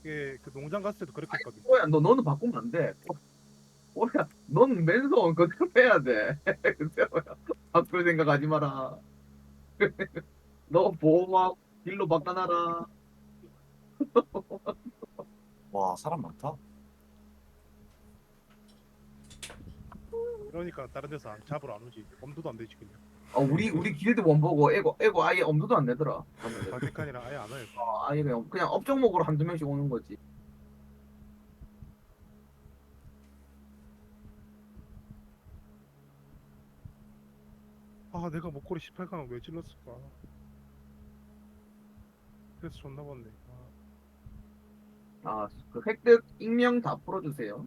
이게 그 농장 갔을 때도 그렇게 했거든. 뽀로야, 너는 바꾸면 안 돼. 뽀로야, 넌 맨손 그대로 해야 돼. 그대로야. 바꿀 생각하지 마라. 너 보호막 길로 바꿔놔라. 와 사람 많다. 이러니까 다른 데서 잡으러 안 오지. 엄두도 안 되지 그냥. 우리 길드 원보고 애고 아예 엄두도 안 내더라. 발칸이랑 아예 안 와요. 아예 그냥 업종목으로 한두 명씩 오는 거지. 아 내가 목걸이 18강을 왜 질렀을까. 그래서 존나 봤네. 그 획득 익명 다 풀어주세요.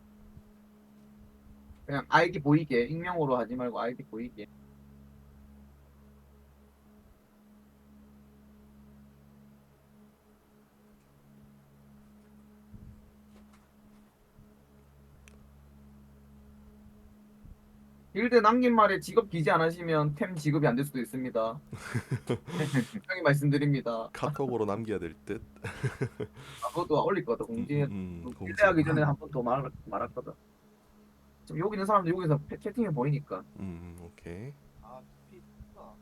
그냥 아이디 보이게 익명으로 하지 말고 아이디 보이게. 길드 남긴 말에 직업 기재 안 하시면 템 지급이 안 될 수도 있습니다. 분명히 말씀드립니다. 카톡으로 남겨야 될 듯. 그것도 올릴 거다. 공지. 공지. 길드하기 전에 한 번 더 말했거든. 지금 여기 있는 사람들 여기서 채팅해 보이니까. 오케이. 아 피가.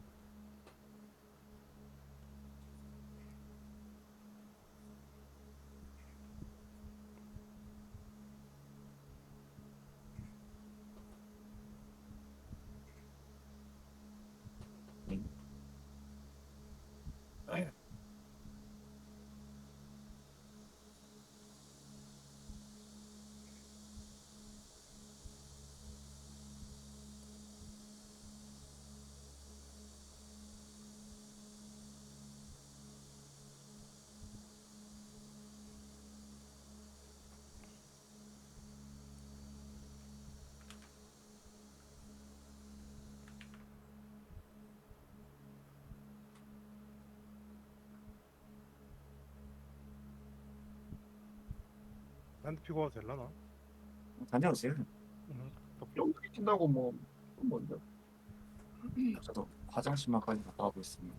나한테 피고 와도 될라나? 다녀오세요. 응. 여기 친다고 뭐 뭔데? 저도 화장실만까지 갔다 와고 있습니다.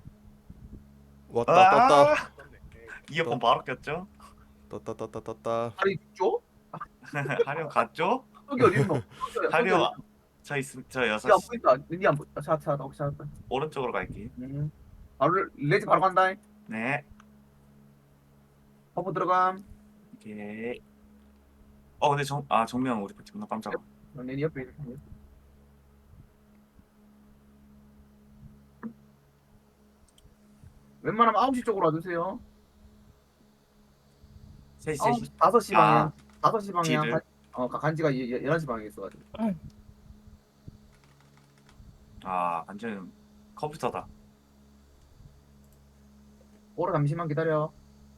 왔다 떴다. 이어폰 바로 꼈죠? 떴다. 다리 줘? 하려 갔죠? 여기 어디 있노? 하려 저 여섯 니안 시 보인다. 니안 보인다. 찾았다. 찾았다. 오른쪽으로 갈게. 바로 레지 바로 간다. 네. 버프 들어감. 오케이. 근데 정명 우리 존나 깜짝아. 내 옆에 있는. 웬만하면 9시 쪽으로 와주세요. 3시 9시, 5시 방향. 5시 방향. 뒤를? 간지가 11시 방향에 있어가지고. 완전 컴퓨터다. 오라 잠시만 기다려.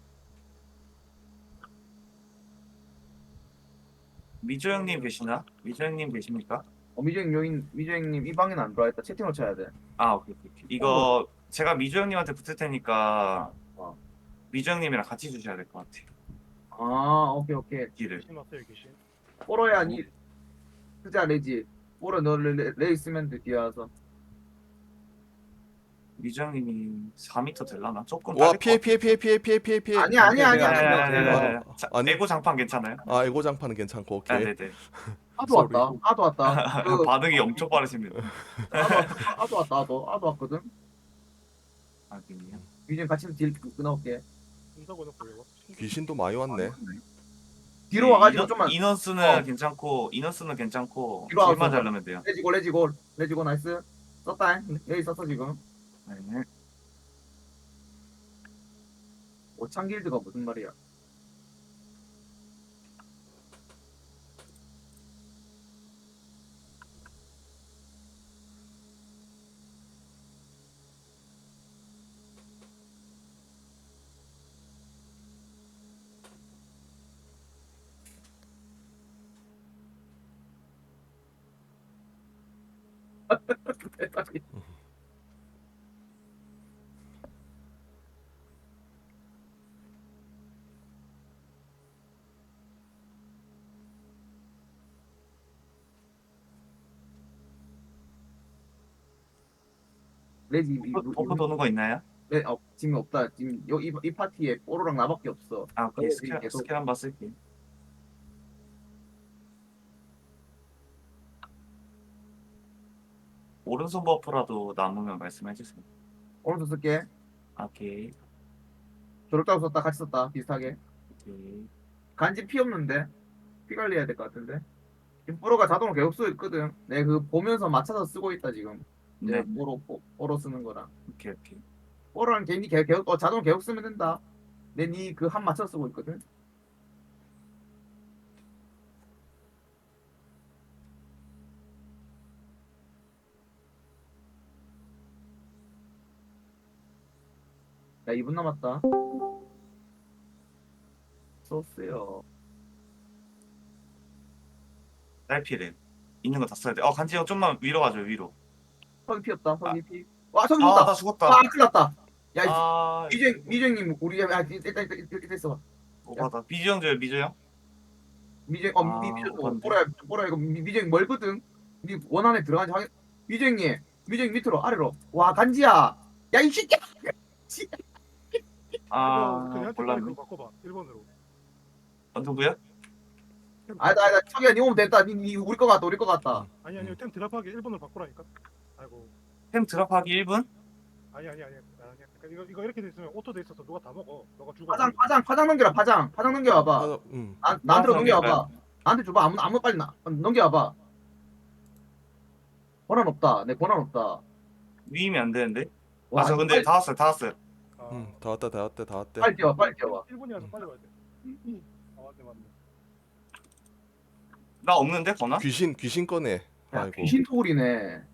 미조 형님 계시나? 미조 형님 계십니까? 미주행님 이 방에는 안 들어와 있다. 채팅을 쳐야 돼. 오케이. 이거 제가 미조 형님한테 붙을 테니까 어. 미조 형님이랑 같이 주셔야 될 것 같아. 오케이. 길을. 귀신 왔어요 귀신. 오로야 니 쓰자 레지. 오라 너레 있으면 돼 뒤에 와서. 미조 형님이 4m 될라나? 조금 와 딸릴 것 피해. 아니야. 같아. 아니. 에고 장판 괜찮아요? 에고 장판은 괜찮고 오케이. 네네. 아도 왔다. 반응이 엄청 빠르십니다. 아도 왔거든. 그래요? 미주행 같이 딜 끊어올게. 혼자고 놓고 이거. 귀신도 많이 왔네. 뒤로 와가지고 좀만 인원수는 괜찮고 뒤로 와서 길만 자르면 돼요. 레지고 나이스. 썼다. 여기 썼어 지금. 네. 오창 길드가 무슨 말이야? 레지 버프 도는 거 있나요? 네, 지금 없다. 지금 이 파티에 뽀로랑 나밖에 없어. 아 오케이 지금 계속 스킬 한번 쓸게. 오른손 버프라도 남으면 말씀해 주세요. 오른손 쓸게. 오케이 저렇다고 썼다 같이 썼다 비슷하게. 오케이. 간지 피 없는데 피 관리해야 될 것 같은데. 지금 뽀로가 자동으로 계속 쓰고 있거든. 내 그 보면서 맞춰서 쓰고 있다 지금. 이제 네 뽀로 쓰는 거랑. 오케이 오케이. 뽀로랑 괜히 계속 자동으로 계속 쓰면 된다. 내 니 그 한 맞춰서 쓰고 있거든. 야 2분 남았다. 소스요. 딸피를 있는 거 다 써야 돼. 간지 형 좀만 위로 가줘 위로. 석이 피었다. 석이 피. 와 석이 나 죽었다. 죽었다. 큰일 났다. 야 아 미정님 우리 일단 있어. 오바다. 미주 형 줘요 미주 형. 미정 미정 오반데. 뽀로야 이거 미정 멀거든. 니 원안에 들어간지 확인. 미정님 밑으로 아래로. 와 간지야. 야 이 새끼야. 아 그냥 몰랐네. 그거 바꿔봐 1번으로. 누구야? 아니다 석이야 니 오면 됐다. 니 우리 거 같다. 아니 템 드랍하기 1번으로 바꾸라니까. 아이고. 템 드랍하기 1분? 아니야. 그러니까 이거 이렇게 돼 있으면 오토 돼 있어서 누가 다 먹어. 너가 죽어. 파장 넘겨라 파장 넘겨와봐. 아, 나한테로 파장 넘겨와봐. 나한테 줘봐. 아무 빨리 넘겨와봐. 권한 없다. 내 권한 없다. 위임이 안 되는데? 와, 저 근데 빨리, 다 왔어요. 아, 다 왔대. 빨리 뛰어. 1분이라서 빨리 와야 돼. 아 맞네. 나 없는데 거나? 귀신 꺼내. 야, 아이고. 귀신 토굴이네.